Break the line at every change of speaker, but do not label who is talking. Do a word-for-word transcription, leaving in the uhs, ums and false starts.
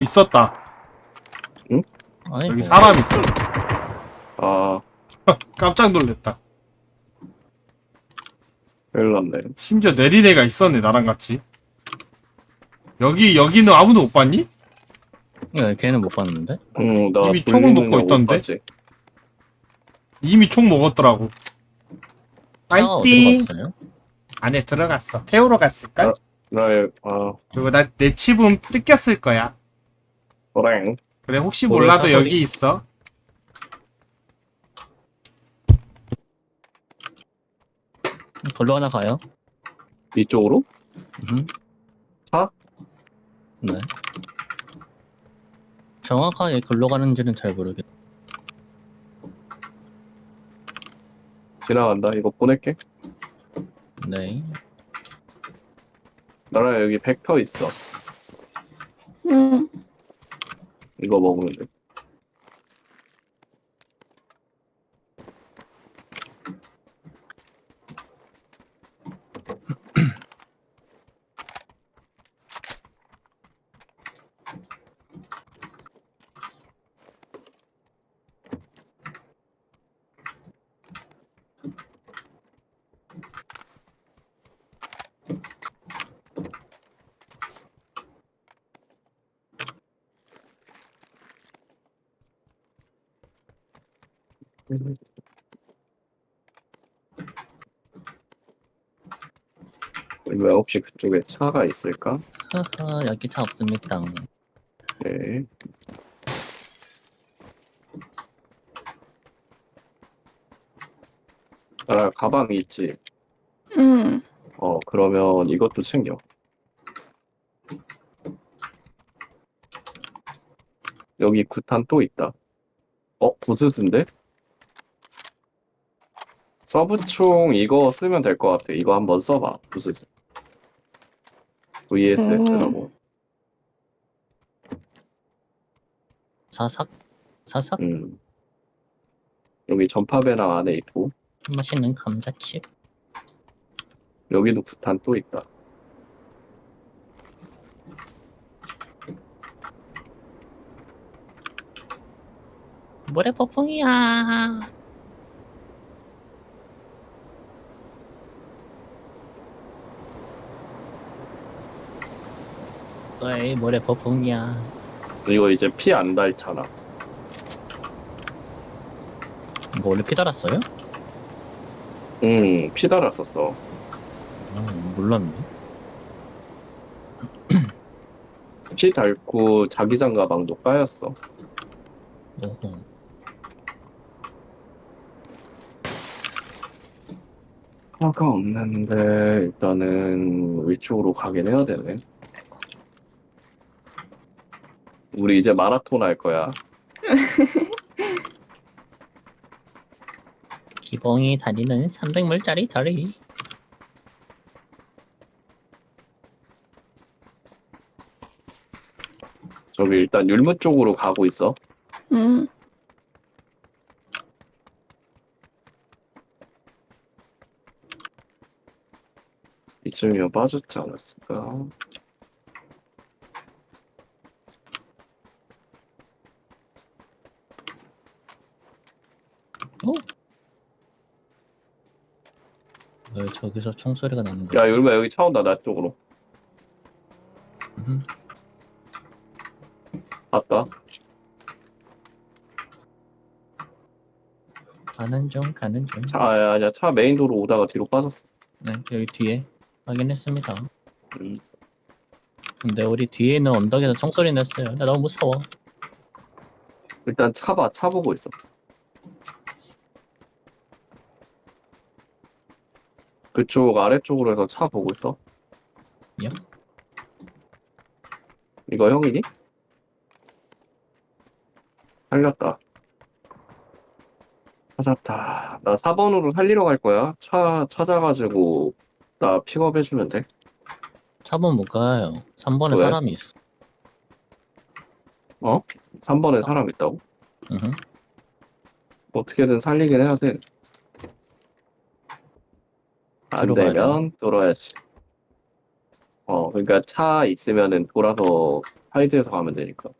있었다.
아니
여기
뭐.
사람 있어.
아,
깜짝 놀랐다.
큰일 났네.
심지어 내린 애가 있었네, 나랑 같이. 여기, 여기는 아무도 못 봤니?
야, 걔는 못 봤는데?
응, 나
이미 총을
돌리는
먹고
거
있던데?
못 봤지.
이미 총 먹었더라고.
차가 어디로
파이팅!
갔어요?
안에 들어갔어. 태우러 갔을걸?
아. 나, 아,
그리고 나 내 칩은 뜯겼을 거야.
그래.
그래, 혹시
돌을
몰라도
사소리?
여기 있어.
돌로 하나 가요?
이쪽으로?
음.
차?
네. 정확하게 글로 가는지는 잘 모르겠.
지나간다. 이거 보낼게.
네.
나랑 여기 벡터 있어.
응.
이거 먹으면 돼. 왜 혹시 그쪽에 차가 있을까?
하하, 여기 차 없습니다.
네. 나 가방 있지?
응.
어, 그러면 이것도 챙겨. 여기 구탄 또 있다. 어, 부스스인데? 서브총 이거 쓰면 될 것 같아. 이거 한번 써봐. 부스스. 브이에스에스라고.
사삭? 사삭?
음. 여기 전파배낭 안에 있고,
맛있는 감자칩?
여기도 구탄 또 있다.
모래 폭풍이야. 어이, 모래 폭풍이야.
이거 이제 피 안 닳잖아.
이거 원래 피 달았어요?
응, 피 달았었어.
음, 몰랐네.
피 닳고 자기장 가방도 까였어.
오호.
차가 없는데 일단은 위쪽으로 가긴 해야 되네. 우리 이제 마라톤 할 거야.
기봉이 다니는 삼백 물짜리 다리.
저기 일단 율무 쪽으로 가고 있어.
응.
이쯤이면 빠졌지 않았을까?
어? 왜 저기서 총소리가 나는 거야?
야, 율무야 여기 차 온다. 나 쪽으로.
음,
봤다.
가는 중, 가는 중.
차, 아, 아니야. 차 메인 도로 오다가 뒤로 빠졌어.
네, 여기 뒤에 확인했습니다.
음.
근데 우리 뒤에 있는 언덕에서 총소리 냈어요. 나 너무 무서워.
일단 차 봐. 차 보고 있어. 그쪽 아래쪽으로 해서 차 보고 있어.
예?
이거 형이니? 살렸다. 찾았다. 나 사 번으로 살리러 갈 거야. 차 찾아가지고 나 픽업해주면 돼.
사 번 못 가요. 삼 번에
왜?
사람이 있어.
어? 삼 번에 사람 있다고?
으흠.
어떻게든 살리긴 해야 돼. 안
뒤로 가야
되면 돌아야지. 어, 그러니까 차 있으면은 돌아서 하이드에서 가면 되니까.